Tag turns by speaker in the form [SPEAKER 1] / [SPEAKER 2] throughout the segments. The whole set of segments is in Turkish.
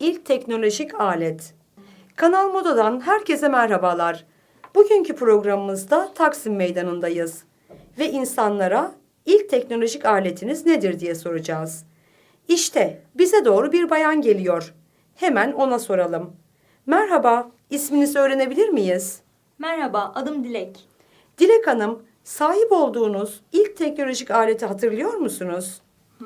[SPEAKER 1] ilk teknolojik alet. Kanal Moda'dan herkese merhabalar. Bugünkü programımızda Taksim Meydanı'ndayız ve insanlara ilk teknolojik aletiniz nedir diye soracağız. İşte bize doğru bir bayan geliyor. Hemen ona soralım. Merhaba, isminizi öğrenebilir miyiz?
[SPEAKER 2] Merhaba, adım Dilek.
[SPEAKER 1] Dilek Hanım, sahip olduğunuz ilk teknolojik aleti hatırlıyor musunuz?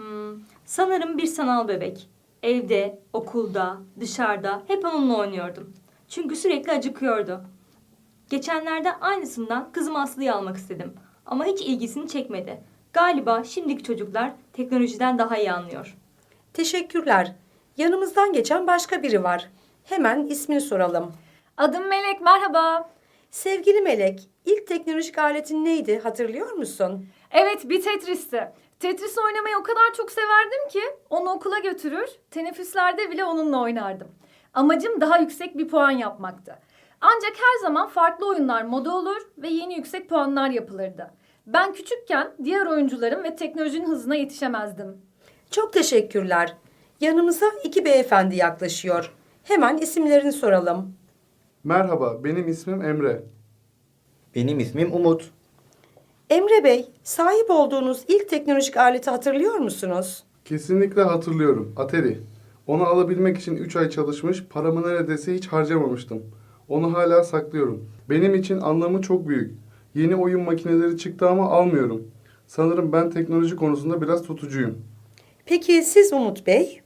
[SPEAKER 2] Sanırım bir sanal bebek. Evde, okulda, dışarıda hep onunla oynuyordum. Çünkü sürekli acıkıyordu. Geçenlerde aynısından kızım Aslı'yı almak istedim. Ama hiç ilgisini çekmedi. Galiba şimdiki çocuklar teknolojiden daha iyi anlıyor.
[SPEAKER 1] Teşekkürler. Yanımızdan geçen başka biri var. Hemen ismini soralım.
[SPEAKER 3] Adım Melek, merhaba.
[SPEAKER 1] Sevgili Melek, ilk teknolojik aletin neydi hatırlıyor musun?
[SPEAKER 3] Evet, bir Tetris'ti. Tetris oynamayı o kadar çok severdim ki onu okula götürür, teneffüslerde bile onunla oynardım. Amacım daha yüksek bir puan yapmaktı. Ancak her zaman farklı oyunlar moda olur ve yeni yüksek puanlar yapılırdı. Ben küçükken diğer oyuncuların ve teknolojinin hızına yetişemezdim.
[SPEAKER 1] Çok teşekkürler. Yanımıza iki beyefendi yaklaşıyor. Hemen isimlerini soralım.
[SPEAKER 4] Merhaba, benim ismim Emre.
[SPEAKER 5] Benim ismim Umut.
[SPEAKER 1] Emre Bey, sahip olduğunuz ilk teknolojik aleti hatırlıyor musunuz?
[SPEAKER 4] Kesinlikle hatırlıyorum, Atari. Onu alabilmek için 3 ay çalışmış, paramı neredeyse hiç harcamamıştım. Onu hala saklıyorum. Benim için anlamı çok büyük. Yeni oyun makineleri çıktı ama almıyorum. Sanırım ben teknoloji konusunda biraz tutucuyum.
[SPEAKER 1] Peki siz Umut Bey?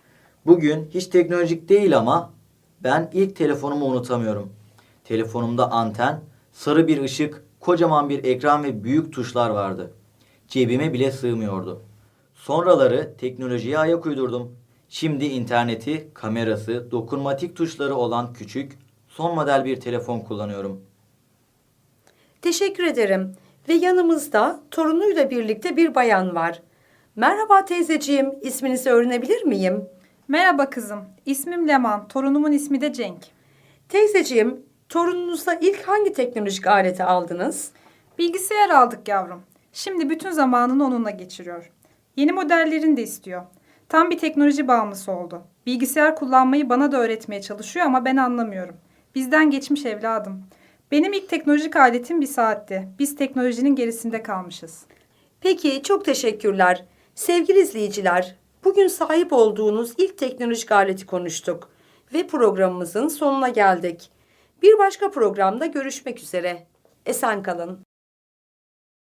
[SPEAKER 5] Bugün hiç teknolojik değil ama ben ilk telefonumu unutamıyorum. Telefonumda anten, sarı bir ışık, kocaman bir ekran ve büyük tuşlar vardı. Cebime bile sığmıyordu. Sonraları teknolojiye ayak uydurdum. Şimdi interneti, kamerası, dokunmatik tuşları olan küçük, son model bir telefon kullanıyorum.
[SPEAKER 1] Teşekkür ederim. Ve yanımızda torunuyla birlikte bir bayan var. Merhaba teyzeciğim, isminizi öğrenebilir miyim?
[SPEAKER 6] Merhaba kızım. İsmim Leman. Torunumun ismi de Cenk.
[SPEAKER 1] Teyzeciğim, torununuza ilk hangi teknolojik aleti aldınız?
[SPEAKER 6] Bilgisayar aldık yavrum. Şimdi bütün zamanını onunla geçiriyor. Yeni modellerini de istiyor. Tam bir teknoloji bağımlısı oldu. Bilgisayar kullanmayı bana da öğretmeye çalışıyor ama ben anlamıyorum. Bizden geçmiş evladım. Benim ilk teknolojik aletim bir saatti. Biz teknolojinin gerisinde kalmışız.
[SPEAKER 1] Peki, çok teşekkürler. Sevgili izleyiciler, bugün sahip olduğunuz ilk teknolojik aleti konuştuk ve programımızın sonuna geldik. Bir başka programda görüşmek üzere. Esen kalın.